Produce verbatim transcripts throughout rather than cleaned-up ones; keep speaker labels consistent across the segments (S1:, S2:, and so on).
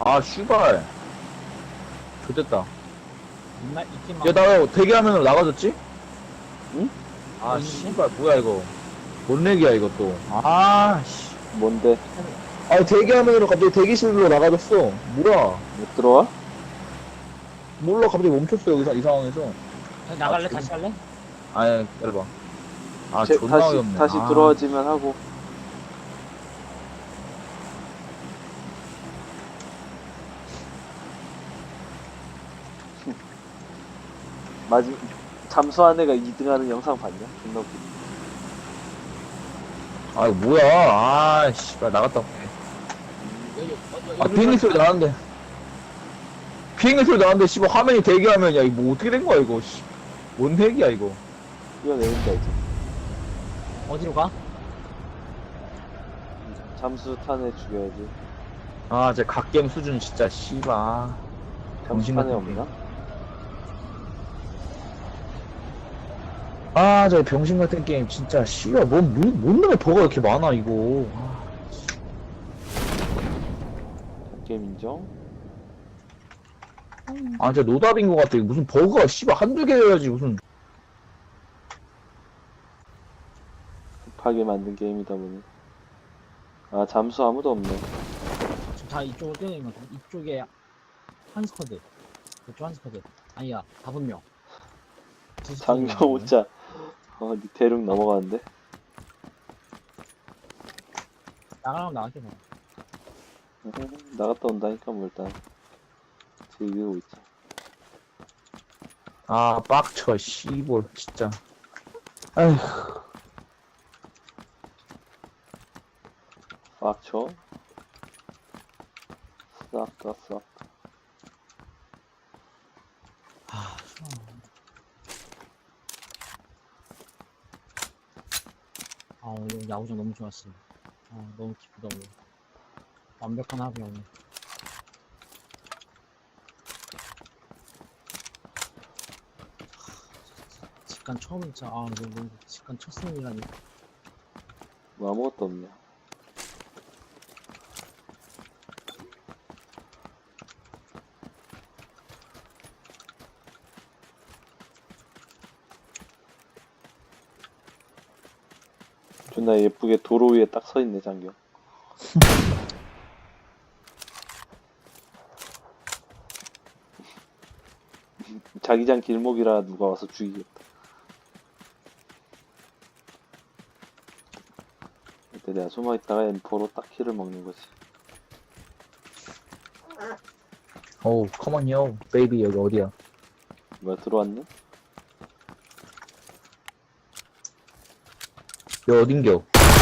S1: 아, 슈발. 좋됐다.
S2: 맨날 이팀만.
S1: 야, 나 대기하면 나가졌지?
S3: 응?
S1: 아,
S2: 뭔데?
S1: 씨발, 뭐야, 이거. 뭔 렉이야, 이거 또. 아, 씨.
S3: 뭔데?
S1: 아, 대기하면은 갑자기 대기실로 나가졌어. 뭐야.
S3: 못 들어와?
S1: 몰라, 갑자기 멈췄어, 여기서, 이 상황에서.
S2: 나갈래?
S1: 아,
S2: 다시 할래?
S1: 아니, 기다려봐. 아,
S3: 제-
S1: 존나
S3: 다시
S1: 어이없네.
S3: 다시
S1: 아.
S3: 들어와지면 하고. 마지 잠수한 애가 이 등하는 영상 봤냐? 존나 웃기.
S1: 아, 이거 뭐야. 아, 씨발, 나갔다 올게.
S2: 여기, 여기,
S1: 아,
S2: 여기
S1: 비행기 소리
S2: 들어갈까?
S1: 나는데. 비행기 소리 나는데, 씨발, 화면이 대기하면, 야, 이거 뭐 어떻게 된 거야, 이거. 씨. 뭔 핵이야, 이거.
S3: 뛰어내린다 이제.
S2: 어디로 가?
S3: 잠수 탄 애 죽여야지.
S1: 아, 제 갓겜 수준 진짜, 씨발.
S3: 잠수
S1: 정신
S3: 탄 애
S1: 같은
S3: 없나?
S1: 아, 저 병신 같은 게임, 진짜, 씨발, 뭔, 뭔, 뭔 놈의 버가 이렇게 많아, 이거. 아,
S3: 게임 인정.
S1: 아, 진짜 노답인 것 같아. 무슨 버그가, 씨발, 한두 개여야지, 무슨.
S3: 급하게 만든 게임이다 보니. 아 잠수 아무도 없네.
S2: 지금 다 이쪽으로 뛰어내는 거 같아. 이쪽에 한 스쿼드. 이쪽 한 스쿼드. 아니야, 다섯 명. 두 스쿼드
S3: 장경
S2: 있는
S3: 오자. 어, 니 대륙 넘어가는데?
S2: 나가면 나갈게, 뭐.
S3: 나갔다 온다니까 뭐 일단 즐기고 있지.
S1: 아, 빡쳐, 씨볼, 진짜. 아휴.
S3: 빡쳐. 싹다 싹.
S2: 아, 싫어. 아, 오늘 야구장 너무 좋았어. 아, 너무 기쁘다, 오늘. 완벽한 합이야, 오늘. 직관 처음, 진짜, 아, 너무, 너무 직관 첫 승이라니.
S3: 뭐 아무것도 없냐. 존나 예쁘게 도로 위에 딱 서 있네 장경. 자기장 길목이라 누가 와서 죽이겠다. 그때 내가 숨어 있다가 엠포로 딱 키를 먹는 거지.
S1: 어우, 컴온요, 베이비, 여기 어디야?
S3: 뭐야 들어왔네?
S1: 여기 어딘겨?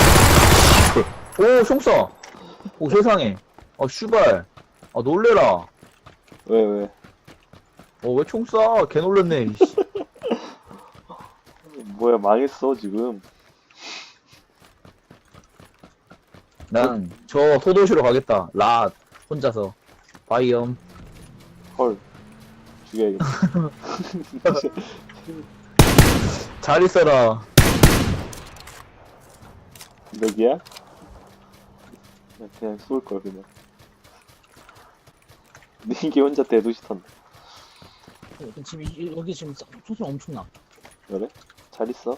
S1: 오, 총쏴! 오, 세상에. 아, 슈발. 아, 놀래라.
S3: 왜 왜?
S1: 어, 왜 총 쏴? 개 놀랬네, 이씨.
S3: 뭐야 망했어 지금.
S1: 난, 저, 소도시로 가겠다. 라, 혼자서. 바이엄.
S3: 헐 죽여야겠다.
S1: 잘 있어라.
S3: 여기야? 그냥 쏠걸 그냥. 니게 혼자 대도시 턴다.
S2: 어, 지금, 이- 여기 지금 소- 소리 엄청 나.
S3: 그래? 잘 있어.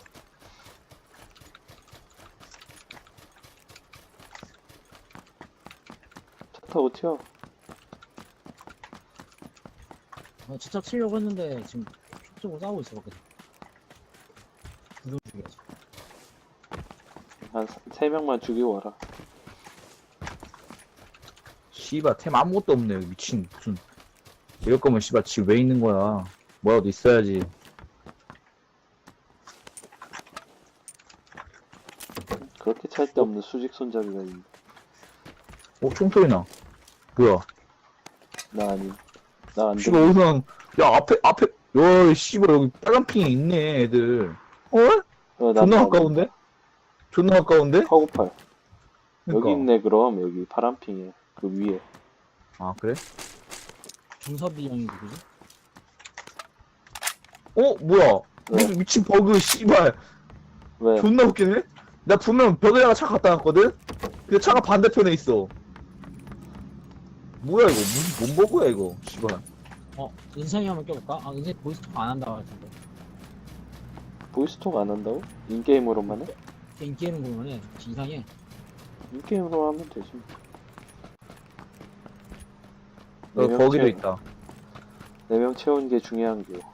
S3: 차 타고 튀어.
S2: 어, 진짜 치려고 했는데, 지금, 촉적으로 싸우고 있어, 거기서. 두명 죽여야지.
S3: 한 세 명만 죽이고 와라.
S1: 씨발, 템 아무것도 없네, 여기 미친. 무슨. 이럴 거면 씨발, 집 왜 있는 거야. 뭐라도 있어야지.
S3: 그렇게 찰 데 없는 수직 손잡이가 있는데.
S1: 어, 총소리 나. 뭐야.
S3: 나 아님. 나 안
S1: 씨발,
S3: 돼.
S1: 어디서, 야, 앞에, 앞에, 야, 씨발, 여기 빨간 핑이 있네, 애들. 어?
S3: 어,
S1: 존나 가까운데? 존나 가까운데?
S3: 카고팔.
S1: 그러니까.
S3: 여기 있네 그럼 여기 파란핑에 그 위에.
S1: 아, 그래?
S2: 중섭이 형이 누구지?
S1: 어, 뭐야.
S3: 왜?
S1: 무슨 미친 버그, 씨발.
S3: 왜?
S1: 존나 웃기네? 나 분명 벽에다가 차 갖다 놨거든? 근데 차가 반대편에 있어. 뭐야 이거 무슨 뭔 버그야 이거 씨발.
S2: 어, 은상이 한번 껴볼까? 아, 은상이 보이스톡 안 한다고 할텐데.
S3: 보이스톡 안 한다고? 인게임으로만 해?
S2: 인기는 보면은 이상해.
S3: 인게임으로 하면 되지.
S1: 어,
S3: 네명
S1: 거기도
S3: 채우-
S1: 있다.
S3: 네 명 채운 게 중요한 게.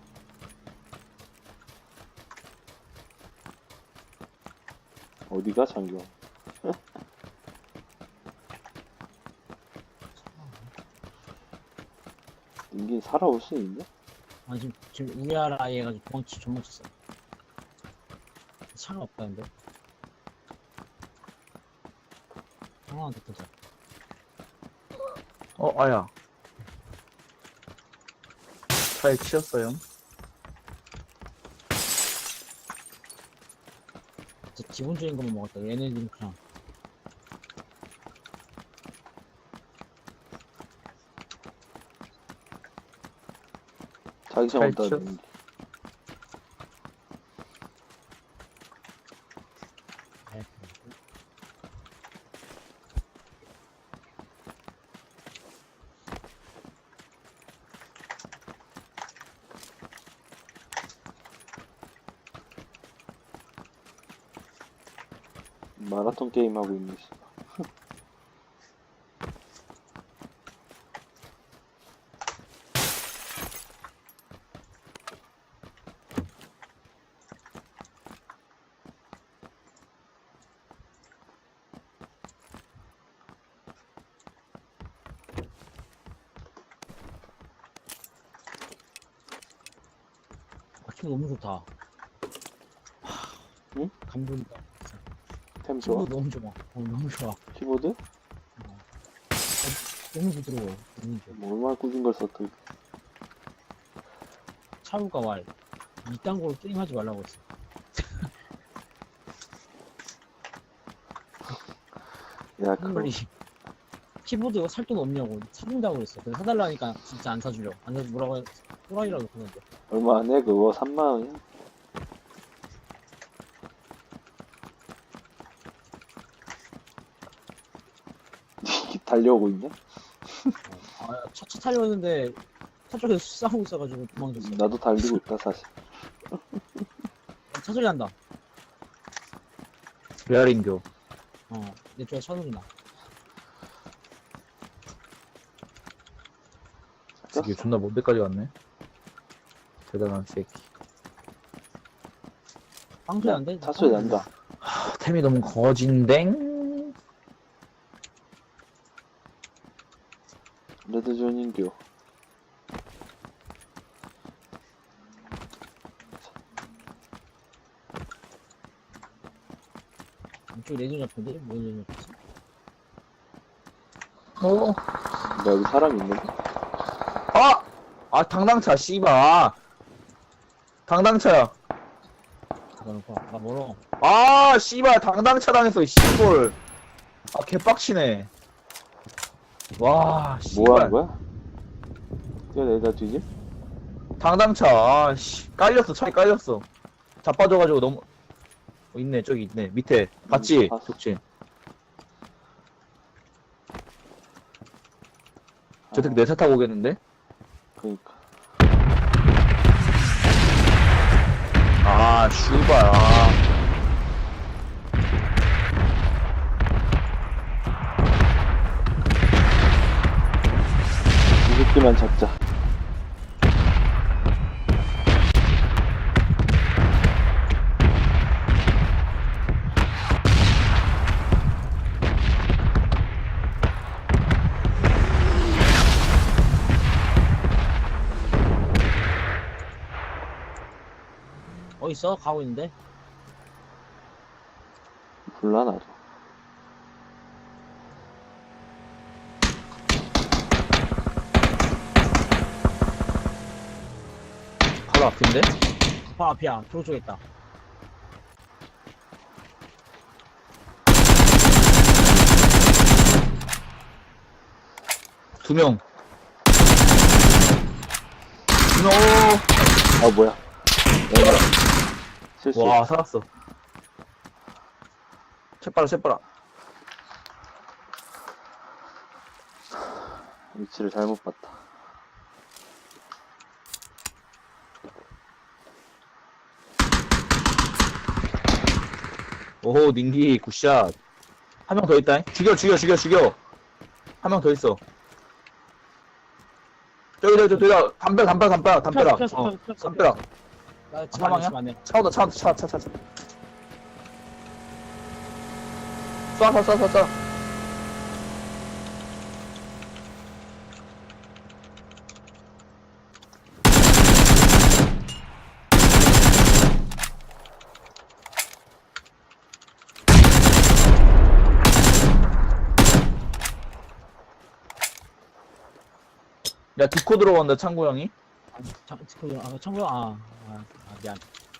S3: 어디가 장경? 인기 살아올 수 있냐?
S2: 아, 지금, 지금 우리나라 아이 해가지고 도망치, 도망쳤어. 차가 없다는데? 상황한테 보자.
S1: 어 아야. 차에 치였어요.
S2: 진짜 기본적인 것만 먹었다. 얘네들은 그냥.
S3: 자기장
S1: 잘
S3: 온다.
S1: 치웠어.
S2: 네.
S3: 마라톤 게임 하고 있네. 씨.
S2: 아, 춤 너무 좋다.
S3: 응?
S2: 감동이다.
S3: 템 좋아?
S2: 키보드 너무 좋아. 어, 너무 좋아.
S3: 키보드?
S2: 어. 너무 부드러워. 너무 좋아.
S3: 뭐 얼마나 꾸준 걸 썼더니.
S2: 차우가 말. 이딴 거로 게임하지 말라고 했어.
S3: 야 그거
S2: 빨리. 키보드 살 돈 없냐고 사준다고 그랬어. 그래서 사달라니까 진짜 안 사주려. 안 사주 뭐라고 해. 또라이라고 그러는데.
S3: 얼마 안 해? 그거 삼만 원이야? 달려오고 있냐?
S2: 아, 차, 차 타려는데 차 쪽에서 싸우고 있어가지고 도망쳤어.
S3: 나도 달리고 있다 사실.
S2: 차 소리 난다.
S1: 레알인교.
S2: 어, 내 쪽에 차 소리 나.
S1: 이게 존나 먼 데까지 왔네. 대단한 새끼.
S2: 빵 소리 난데?
S3: 차 소리 난다.
S1: 하, 템이 너무 거진댕.
S3: 레드존 인교.
S2: 이쪽 레전 잡혔는데? 뭐 레전 잡혔어?
S1: 어.
S3: 나 여기 사람 있는데?
S1: 아! 아 당당차 씨발. 당당차야.
S2: 그러니까 나 멀어.
S1: 아 씨발 당당차 당했어 씨발. 아 개빡치네. 와
S3: 뭐 하는
S1: 씨발.
S3: 거야? 뛰어내다 뒤집?
S1: 당당차 아씨 깔렸어 차에 깔렸어. 자빠져가지고 너무 어, 있네 저기 있네 밑에 봤지?
S3: 봤어.
S1: 족진. 저 새끼 내 차 타고 오겠는데?
S3: 그니까.
S1: 아 슈발 아.
S3: 이 새끼만 잡자.
S2: 어딨어? 가고 있는데?
S3: 몰라 나도.
S1: 바로 앞인데?
S2: 바로 앞이야. 도로 쪽에 있다.
S1: 두 명. 두 명.
S3: 아 뭐야? 내가 실수.
S1: 와 살았어. 채빨아 채빨아.
S3: 위치를 잘못 봤다.
S1: 오호, 닝기, 굿샷. 한 명 더 있다. 죽여, 죽여, 죽여, 죽여. 한 명 더 있어. 저기, 저기, 저기, 저기, 담벼락, 담벼락, 담벼락, 담벼락.
S2: 폈어,
S1: 어,
S2: 폈어, 폈어.
S1: 담벼락.
S2: 나 집
S1: 사망이야?
S2: 안에 집 안에.
S1: 차 온다, 차 온다, 차, 차, 차, 차. 쏴, 쏴, 쏴, 쏴, 쏴. 야, 디코 들어간다, 창구 형이.
S2: 아, 참, 그, 아, 청구, 아, 아, 아, 미안.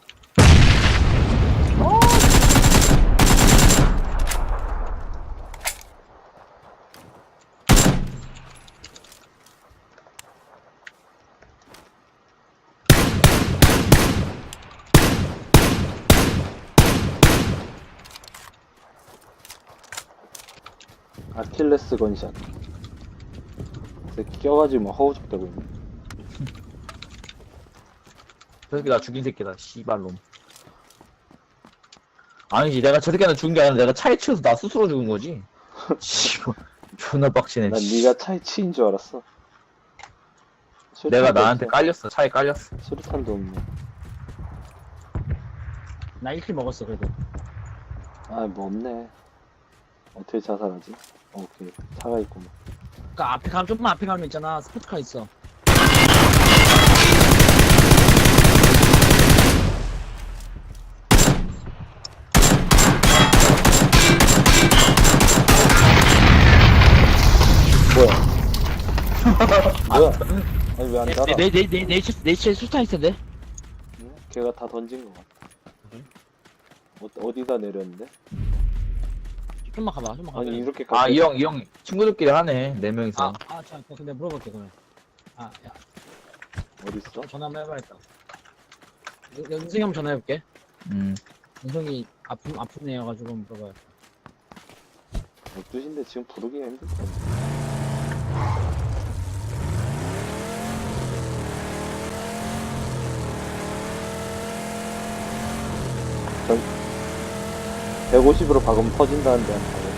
S3: 아킬레스 건샷. 새끼 껴가지고 막 허우적대고 있네.
S1: 저 새끼 나 죽인 새끼다, 씨발놈. 아니지, 내가 저 새끼한테 죽은 게 아니라 내가 차에 치여서 나 스스로 죽은 거지. 씨발, 존나 빡치네.
S3: 난
S1: 씨.
S3: 네가 차에 치인 줄 알았어.
S1: 내가
S3: 수류탄도
S1: 나한테
S3: 없어.
S1: 깔렸어, 차에 깔렸어.
S3: 수류탄도 없네.
S2: 나 일 킬 먹었어, 그래도.
S3: 아, 뭐 없네. 어떻게 자살하지? 어, 오케이. 차가 있구만.
S2: 그니까 앞에 가면, 좀만 앞에 가면 있잖아. 스포츠카 있어.
S3: 뭐야? 뭐야? 아니, 왜 안 달아?
S2: 내, 내, 내, 내, 내, 내 치에 수탄 있을 텐데?
S3: 응? 걔가 다 던진 것 같아.
S2: 그래?
S3: 어, 어디다 내렸는데?
S2: 좀만 가봐, 좀만 가봐.
S3: 아니, 이렇게
S1: 아, 이 형, 이 형, 친구들끼리 하네, 네 명이서.
S2: 아, 아, 자, 근데 물어볼게, 그러면. 아, 야,
S3: 어딨어?
S2: 전화 한번 해봐야겠다. 연- 연승이 형 전화해볼게.
S1: 음.
S2: 연승이 아픈, 아픈 애여가지고 물어봐야겠다.
S3: 열두 시인데 지금 부르기가 힘들다. 전 백오십으로 박으면 터진다는데 한 번.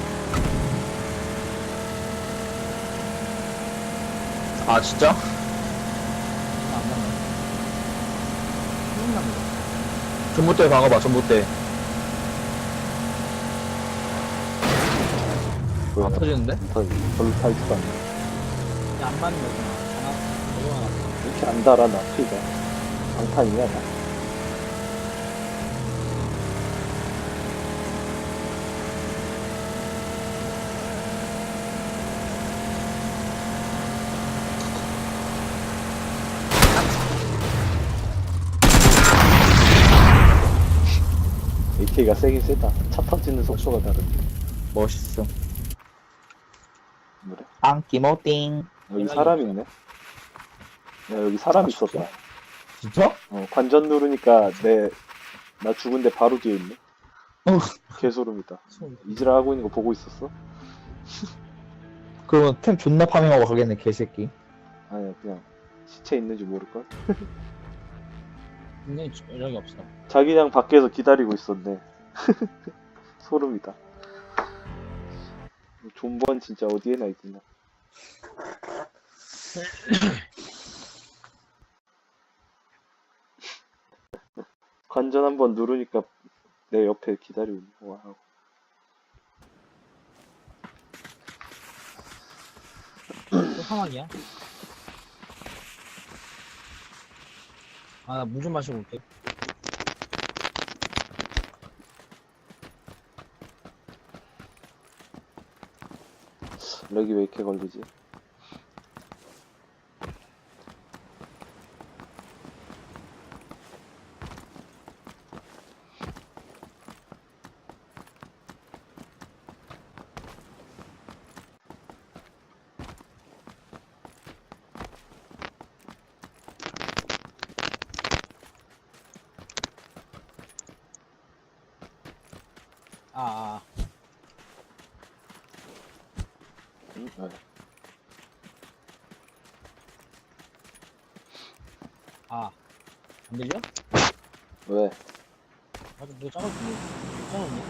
S1: 아, 진짜?
S2: 아, 안 받네. 힘나 보다.
S1: 전봇대 박아봐, 전봇대.
S3: 뭐야?
S1: 안 터지는데?
S3: 터 별로 타지도 않네.
S2: 야, 안 받는 거구나. 전화, 전화 왔어.
S3: 이렇게 안 달아 나 피가. 방탄이야 나. 에이케이가 세긴 세다. 차 터지는 속도가 다른데.
S1: 멋있어.
S3: 그래?
S1: 안기모띵.
S3: 여기 사람 있네. 야, 여기 사람 있었다.
S1: 진짜?
S3: 어, 관전 누르니까 내, 나 죽은데 바로 뒤에 있네.
S1: 어.
S3: 개소름이다.
S2: 소리.
S3: 이지랄 하고 있는 거 보고 있었어?
S1: 그러면 템 존나 파밍하고 가겠네, 개새끼.
S3: 아니야, 그냥 시체 있는지 모를걸?
S2: 굉장히 연락이 없어.
S3: 자기장 밖에서 기다리고 있었네. 소름이다. 존버는 진짜 어디에나 있구나. 관전 한번 누르니까 내 옆에 기다리고 있는 거야.
S2: 또 상황이야? 아, 나 물 좀 마시고 올게.
S3: 렉이 왜 이렇게 걸리지?
S2: 아, 아.
S3: 응? 네.
S2: 아, 안 들려?
S3: 왜?
S2: 맞아, 뭐 작았지? 작았네?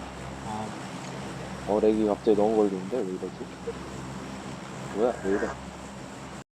S2: 아,
S3: 어, 렉이 갑자기 너무 걸리는데? 왜 이러지? 뭐야? 왜 이래?